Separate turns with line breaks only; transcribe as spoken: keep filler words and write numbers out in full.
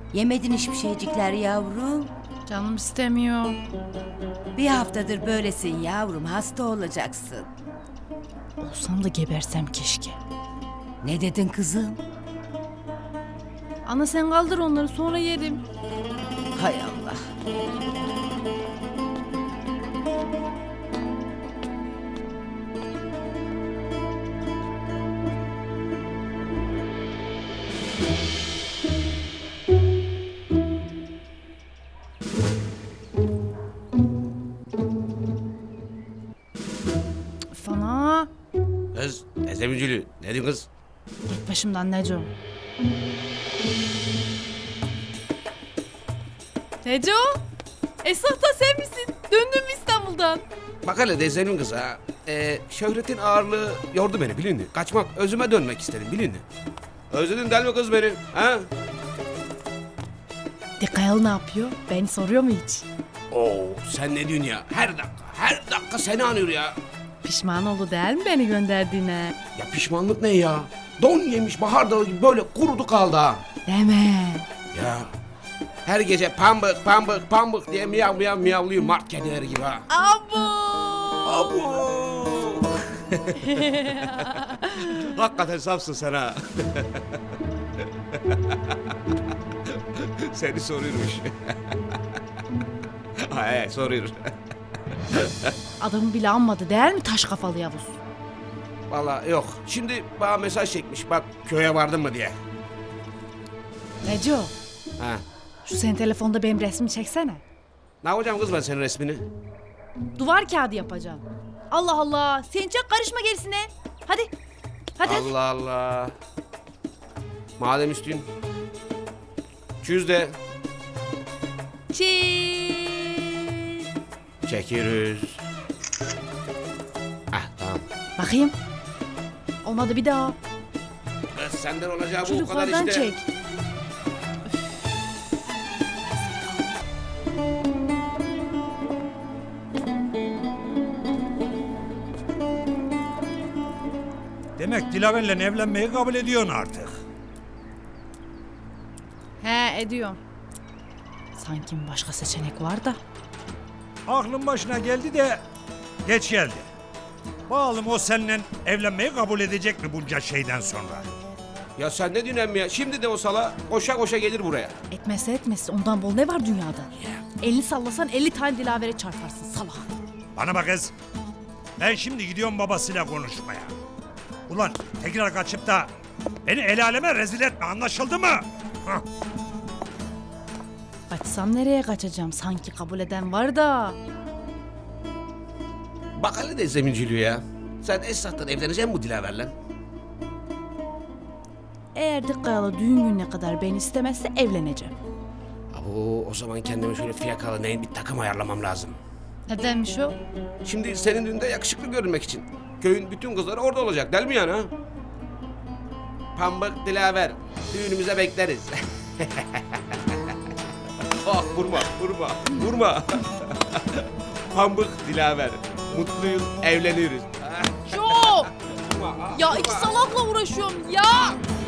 Yemedin hiçbir şeycikler yavrum.
Canım istemiyor.
Bir haftadır böylesin yavrum, hasta olacaksın.
Olsam da gebersem keşke.
Ne dedin kızım?
Ana sen kaldır onları sonra yerim.
Hay Allah.
Fana.
Kız, teyzemicili. Ne diyorsun kız?
Git başımdan Neco. Neco? Esat da sen misin? Döndün mü İstanbul'dan?
Bak hele teyzemin kızı ha. Ee, şöhretin ağırlığı yordu beni bilin mi? Kaçmak, özüme dönmek istedim bilin mi? Özledin değil mi kız beni? Ha?
Dikayal ne yapıyor? Beni soruyor mu hiç?
Oo, sen ne diyorsun ya? Her dakika, her dakika seni anıyor ya.
Pişman oldu değil mi beni gönderdiğine?
Ya pişmanlık ne ya? Don yemiş bahar dalı gibi böyle kurudu kaldı ha.
Deme.
Ya her gece pambık pambık pambık diye miyav miyav miyavlıyor mart kedileri gibi ha.
Abo!
Abo! Hakikaten safsın sen ha. Seni soruyormuş. Ay soruyor.
Adamı bile anmadı değil mi taş kafalı Yavuz?
Vallahi yok. Şimdi bana mesaj çekmiş bak köye vardın mı diye.
Neco,
Ha.
şu senin telefonda benim resmimi çeksene.
Ne yapacağım kız ben senin resmini?
Duvar kağıdı yapacağım. Allah Allah, sen çok karışma gerisine. Hadi, hadi. hadi.
Allah Allah. Madem üstün. Çüz de
Çiz.
çekeriz. Ah tamam.
Bakayım. Olmadı bir daha.
Kız senden olacağı bu
Şu
o kadar
yukarıdan
işte.
çek.
Demek Dilaver'le evlenmeyi kabul ediyorsun artık.
He, ediyorum. Sanki başka seçenek var da.
Aklın başına geldi de geç geldi. Bakalım o seninle evlenmeyi kabul edecek mi bunca şeyden sonra?
Ya sen ne diyorsun emmi ya? Şimdi de o sala koşa koşa gelir buraya.
Etmezse etmezse ondan bol ne var dünyada? Elini sallasan elli tane dilavere çarparsın salak.
Bana bak kız. Ben şimdi gidiyorum babasıyla konuşmaya. Ulan tekrar kaçıp da beni el aleme rezil etme, anlaşıldı mı? Hah.
Kaçsam nereye kaçacağım? Sanki kabul eden var da.
Bak hele de zeminciliği ya. Sen Esat'tan evleneceksin bu Dilaver'le.
Eğer Dikkayalı düğün gününe kadar beni istemezse evleneceğim.
Abo o zaman kendime şöyle fiyakalı neyin bir takım ayarlamam lazım.
Nedenmiş o?
Şimdi senin düğünde yakışıklı görünmek için. Köyün bütün kızları orada olacak değil mi yani ha? Pambık Dilaver. Düğünümüze bekleriz. Ah vurma vurma vurma. Pambık Dilaver. Mutluyuz evleniyoruz.
Çok!
Vurma, ah,
Ya
vurma.
iki salakla uğraşıyorum ya!